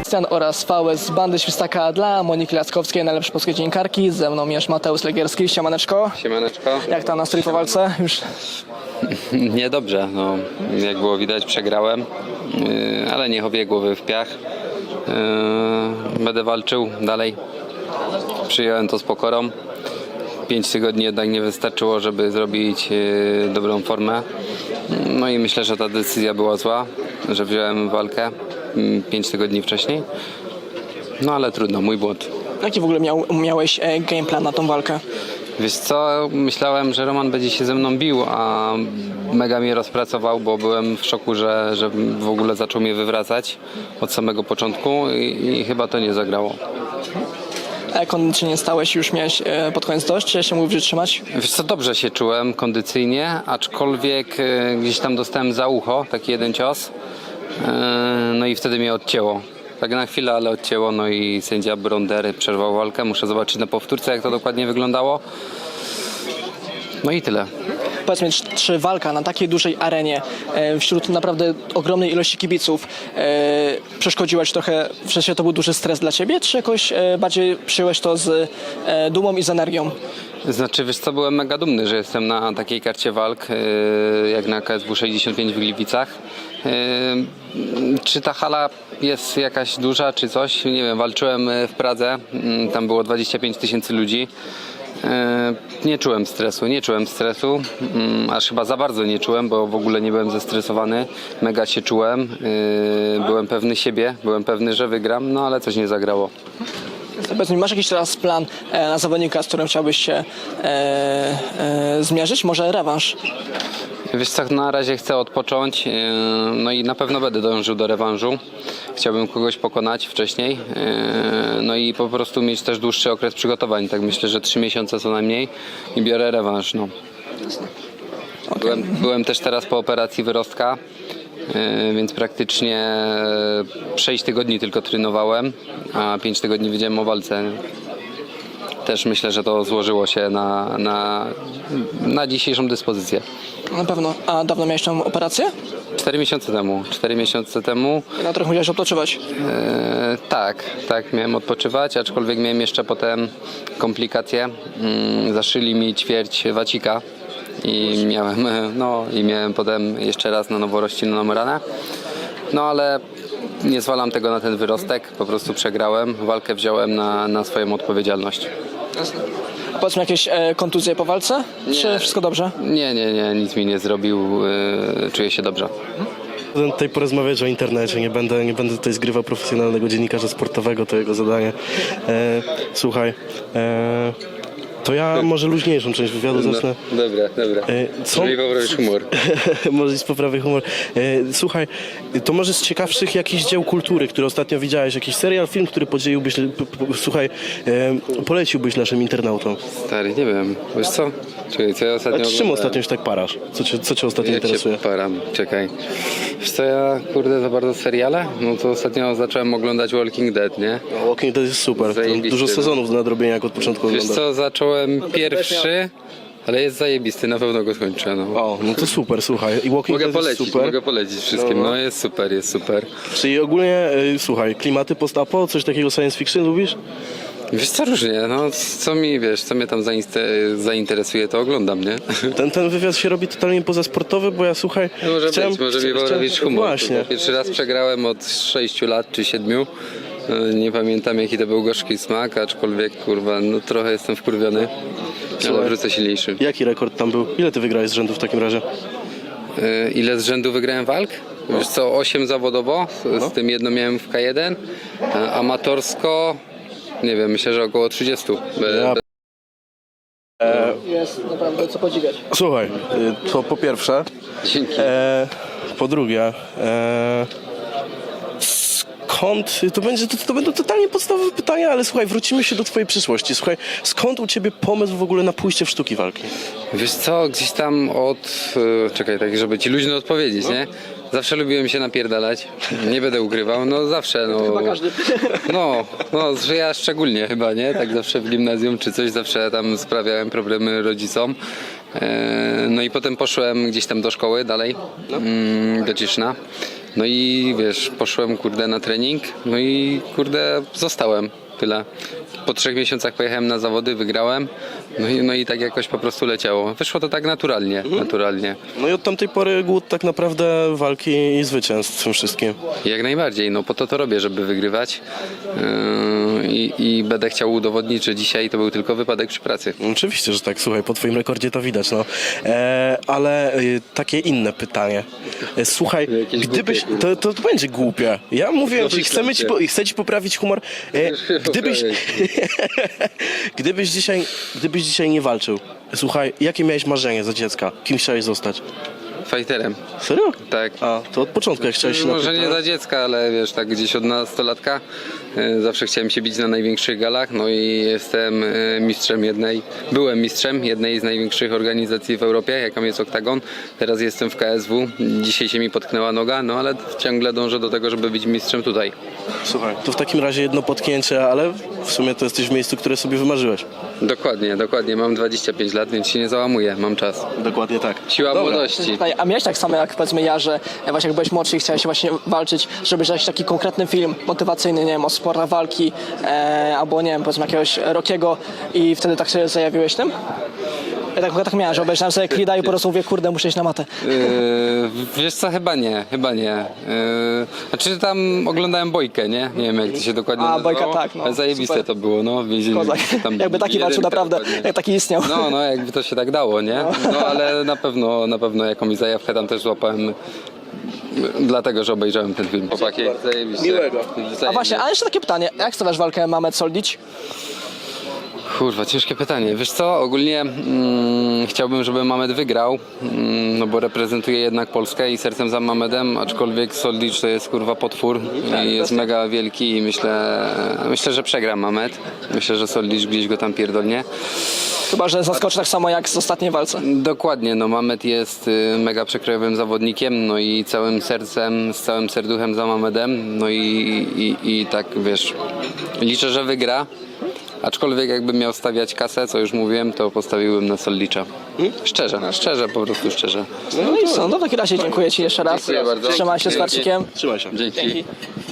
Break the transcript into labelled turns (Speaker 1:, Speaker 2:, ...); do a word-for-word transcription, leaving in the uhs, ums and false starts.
Speaker 1: Sebastian oraz V S z Bandy Świstaka dla Moniki Laskowskiej, najlepszej polskiej dziennikarki. Ze mną jest Mateusz Legierski. Siemaneczko.
Speaker 2: Siemaneczko.
Speaker 1: Jak tam nastrój po walce? Już...
Speaker 2: Niedobrze, no, jak było widać przegrałem, yy, ale nie chowię głowy w piach. Yy, będę walczył dalej. Przyjąłem to z pokorą. Pięć tygodni jednak nie wystarczyło, żeby zrobić yy, dobrą formę. No i myślę, że ta decyzja była zła, że wziąłem walkę yy, pięć tygodni wcześniej. No ale trudno, mój błąd.
Speaker 1: Jaki w ogóle miał, miałeś e, game plan na tą walkę?
Speaker 2: Wiesz co, myślałem, że Roman będzie się ze mną bił, a mega mnie rozpracował, bo byłem w szoku, że, że w ogóle zaczął mnie wywracać od samego początku i, i chyba to nie zagrało.
Speaker 1: A jak kondycyjnie stałeś, już miałeś e, pod koniec dość, czy jeszcze mógł wytrzymać?
Speaker 2: Wiesz co, dobrze się czułem kondycyjnie, aczkolwiek e, gdzieś tam dostałem za ucho taki jeden cios, e, no i wtedy mnie odcięło. Tak na chwilę, ale odcięło, no i sędzia Brondery przerwał walkę. Muszę zobaczyć na powtórce, jak to dokładnie wyglądało. No i tyle.
Speaker 1: Powiedz mi, czy, czy walka na takiej dużej arenie, e, wśród naprawdę ogromnej ilości kibiców, e, przeszkodziła ci trochę, w sensie to był duży stres dla ciebie, czy jakoś e, bardziej przyjąłeś to z e, dumą i z energią?
Speaker 2: Znaczy, wiesz co, byłem mega dumny, że jestem na takiej karcie walk, yy, jak na K S W sześćdziesiąt pięć w Gliwicach. Yy, czy ta hala jest jakaś duża, czy coś? Nie wiem, walczyłem w Pradze, yy, tam było dwadzieścia pięć tysięcy ludzi. Yy, nie czułem stresu, nie czułem stresu, yy, aż chyba za bardzo nie czułem, bo w ogóle nie byłem zestresowany, mega się czułem, yy, byłem pewny siebie, byłem pewny, że wygram, no ale coś nie zagrało.
Speaker 1: Powiedz mi, masz jakiś teraz plan e, na zawodnika, z którym chciałbyś się e, e, zmierzyć? Może rewanż?
Speaker 2: Wiesz co, na razie chcę odpocząć, yy, no i na pewno będę dążył do rewanżu. Chciałbym kogoś pokonać wcześniej, yy, no i po prostu mieć też dłuższy okres przygotowań. Tak myślę, że trzy miesiące co najmniej i biorę rewanż. No.
Speaker 1: Okay.
Speaker 2: Byłem, byłem też teraz po operacji wyrostka, yy, więc praktycznie sześć tygodni tylko trenowałem, a pięć tygodni wiedziałem o walce. Też myślę, że to złożyło się na, na, na dzisiejszą dyspozycję.
Speaker 1: Na pewno. A dawno miałeś tą operację?
Speaker 2: Cztery miesiące temu. Cztery miesiące temu.
Speaker 1: Na trochę musiałeś odpoczywać.
Speaker 2: E, tak, tak, miałem odpoczywać, aczkolwiek miałem jeszcze potem komplikacje. Mm, zaszyli mi ćwierć wacika i miałem, no, i miałem potem jeszcze raz na nowo rozcinioną ranę. No ale nie zwalam tego na ten wyrostek, po prostu przegrałem. Walkę wziąłem na, na swoją odpowiedzialność.
Speaker 1: A powiedz mi, jakieś e, kontuzje po walce?
Speaker 2: Nie.
Speaker 1: Czy wszystko dobrze?
Speaker 2: Nie, nie, nie, nic mi nie zrobił, yy, czuję się dobrze.
Speaker 3: Będę tutaj porozmawiać o internecie, nie będę, nie będę tutaj zgrywał profesjonalnego dziennikarza sportowego, to jego zadanie. E, słuchaj, e, to ja może luźniejszą część wywiadu zacznę.
Speaker 2: No, dobra, dobra.
Speaker 3: E, co?
Speaker 2: Żeby poprawić humor.
Speaker 3: Może z poprawy humor. E, słuchaj, to może z ciekawszych jakichś dzieł kultury, które ostatnio widziałeś, jakiś serial, film, który podzieliłbyś, p, p, słuchaj, e, poleciłbyś naszym internautom.
Speaker 2: Stary, nie wiem, wiesz co? Czekaj, co ja ostatnio
Speaker 3: A czym
Speaker 2: oglądałem?
Speaker 3: ostatnio się tak parasz? Co cię, co cię ostatnio
Speaker 2: Jak
Speaker 3: interesuje?
Speaker 2: się param, czekaj. Wiesz co, ja kurde za bardzo seriale? No to ostatnio zacząłem oglądać Walking Dead, nie?
Speaker 3: No, Walking Dead jest super. To
Speaker 2: Zajebisty,
Speaker 3: dużo
Speaker 2: no.
Speaker 3: sezonów do nadrobienia, jak od początku
Speaker 2: Wiesz
Speaker 3: oglądasz.
Speaker 2: co, zacząłem pierwszy, ale jest zajebisty, na pewno go skończę, no.
Speaker 3: O, no to super, słuchaj. I Walking
Speaker 2: Mogę
Speaker 3: Dead jest
Speaker 2: polecić,
Speaker 3: super.
Speaker 2: mogę polecić wszystkim, no jest super, jest super.
Speaker 3: Czyli ogólnie, y, słuchaj, klimaty post-apo, coś takiego science fiction lubisz?
Speaker 2: Wiesz co, różnie, no co mi, wiesz, co mnie tam zainste- zainteresuje, to oglądam, nie?
Speaker 3: Ten, ten wywiad się robi totalnie pozasportowy, bo ja słuchaj...
Speaker 2: No może
Speaker 3: chciałem,
Speaker 2: być, może mi
Speaker 3: chciałem-
Speaker 2: robić humor.
Speaker 3: Właśnie.
Speaker 2: Pierwszy raz przegrałem od sześciu lat czy siedmiu. Nie pamiętam jaki to był gorzki smak, aczkolwiek kurwa, no trochę jestem wkurwiony, ale
Speaker 3: Słuchaj.
Speaker 2: wrócę silniejszy.
Speaker 3: Jaki rekord tam był? Ile ty wygrałeś z rzędu w takim razie?
Speaker 2: Yy, Ile z rzędu wygrałem walk? Wiesz co, osiem zawodowo, z,
Speaker 3: No.
Speaker 2: z tym jedno miałem w K jeden, a amatorsko, nie wiem, myślę, że około trzydzieści.
Speaker 3: Ja
Speaker 1: Jest naprawdę co podziwiać.
Speaker 3: Słuchaj, y, to po pierwsze.
Speaker 2: Dzięki.
Speaker 3: E, po drugie, e, skąd, to, będzie, to, to będą totalnie podstawowe pytania, ale słuchaj, wrócimy się do twojej przyszłości. Słuchaj, skąd u ciebie pomysł w ogóle na pójście w sztuki walki?
Speaker 2: Wiesz co, gdzieś tam od... yy, Czekaj, tak żeby ci luźno odpowiedzieć, nie? Zawsze lubiłem się napierdalać, nie będę ukrywał, no zawsze, no...
Speaker 1: Chyba każdy.
Speaker 2: No, no, że ja szczególnie chyba, nie? Tak zawsze w gimnazjum czy coś, zawsze tam sprawiałem problemy rodzicom. E, No i potem poszłem gdzieś tam do szkoły dalej, mm, do Cieszyna. No i wiesz, poszłem kurde na trening, no i kurde zostałem, tyle. Po trzech miesiącach pojechałem na zawody, wygrałem, no i, no i tak jakoś po prostu leciało. Wyszło to tak naturalnie, naturalnie.
Speaker 3: No i od tamtej pory głód tak naprawdę walki i zwycięstw w tym wszystkim.
Speaker 2: Jak najbardziej, no po to to robię, żeby wygrywać yy, i, i będę chciał udowodnić, że dzisiaj to był tylko wypadek przy pracy.
Speaker 3: Oczywiście, że tak, słuchaj, po twoim rekordzie to widać, no. E, ale e, takie inne pytanie. E, słuchaj,
Speaker 2: Jakieś
Speaker 3: gdybyś,
Speaker 2: głupie,
Speaker 3: to, to, to będzie głupie. Ja mówię
Speaker 2: No
Speaker 3: ci, chcemy ci, po, chcę ci poprawić humor. E, gdybyś, gdybyś dzisiaj, gdybyś dzisiaj nie walczył, słuchaj, jakie miałeś marzenie za dziecka? Kim chciałeś zostać?
Speaker 2: Fighterem,
Speaker 3: Serio?
Speaker 2: tak.
Speaker 3: A, to od początku jak chciałeś się
Speaker 2: Może nie
Speaker 3: napić,
Speaker 2: za dziecka, ale wiesz, tak gdzieś od nastolatka e, zawsze chciałem się bić na największych galach, no i jestem e, mistrzem jednej, byłem mistrzem jednej z największych organizacji w Europie, jaką jest Oktagon. Teraz jestem w K S W, dzisiaj się mi potknęła noga, no ale ciągle dążę do tego, żeby być mistrzem tutaj.
Speaker 3: Słuchaj, to w takim razie jedno potknięcie, ale w sumie to jesteś w miejscu, które sobie wymarzyłeś.
Speaker 2: Dokładnie, dokładnie, mam dwadzieścia pięć lat, więc się nie załamuję, mam czas.
Speaker 3: Dokładnie tak.
Speaker 2: Siła
Speaker 3: Dobra.
Speaker 2: młodości.
Speaker 1: A miałeś tak samo jak powiedzmy ja, że właśnie jak byłeś młodszy i chciałeś właśnie walczyć, żeby jakiś taki konkretny film motywacyjny, nie wiem, o sportach walki, e, albo nie wiem, powiedzmy jakiegoś Rockiego i wtedy tak się zajawiłeś tym? Ja tak, ja tak miałem, że obejrzałem sobie Creed'a i po prostu mówię, kurde, muszę iść na matę.
Speaker 2: Yy, wiesz co, chyba nie, chyba nie. Yy, znaczy tam oglądałem Bojkę, nie? Nie wiem jak to się dokładnie
Speaker 1: A,
Speaker 2: nazywało.
Speaker 1: Bojka, tak, no,
Speaker 2: Ale zajebiste
Speaker 1: super.
Speaker 2: to było, no. W więzieniu,
Speaker 1: Kozak.
Speaker 2: tam
Speaker 1: Jakby taki walczył
Speaker 2: jedynka
Speaker 1: naprawdę,
Speaker 2: dokładnie.
Speaker 1: jak taki istniał.
Speaker 2: No, no, jakby to się tak dało, nie? No, ale na pewno, na pewno jakąś zajawkę tam też złapałem. Dlatego, że obejrzałem ten film. Chłopaki, zajebiście.
Speaker 3: Miłego.
Speaker 1: A właśnie, a jeszcze takie pytanie, jak stawiasz walkę Mamet Soldić?
Speaker 2: Kurwa, ciężkie pytanie. Wiesz co, ogólnie mm, chciałbym, żeby Mamed wygrał, mm, no bo reprezentuje jednak Polskę i sercem za Mamedem, aczkolwiek Soldic to jest kurwa potwór i jest mega wielki i myślę, myślę, że przegra Mamed. Myślę, że Soldic gdzieś go tam pierdolnie.
Speaker 1: Chyba, że zaskoczy tak samo jak z ostatniej walce.
Speaker 2: Dokładnie, no Mamed jest y, mega przekrojowym zawodnikiem, no i całym sercem, z całym serduchem za Mamedem, no i, i, i tak wiesz, liczę, że wygra. Aczkolwiek jakbym miał stawiać kasę, co już mówiłem, to postawiłbym na Soldicza. Szczerze, szczerze, po prostu szczerze.
Speaker 1: No i co, no w takim razie dziękuję Ci jeszcze raz.
Speaker 2: Dziękuję bardzo.
Speaker 1: Trzymaj się z
Speaker 2: Dzięki.
Speaker 1: Marcikiem.
Speaker 3: Trzymaj się.
Speaker 2: Dzięki.
Speaker 1: Dzięki.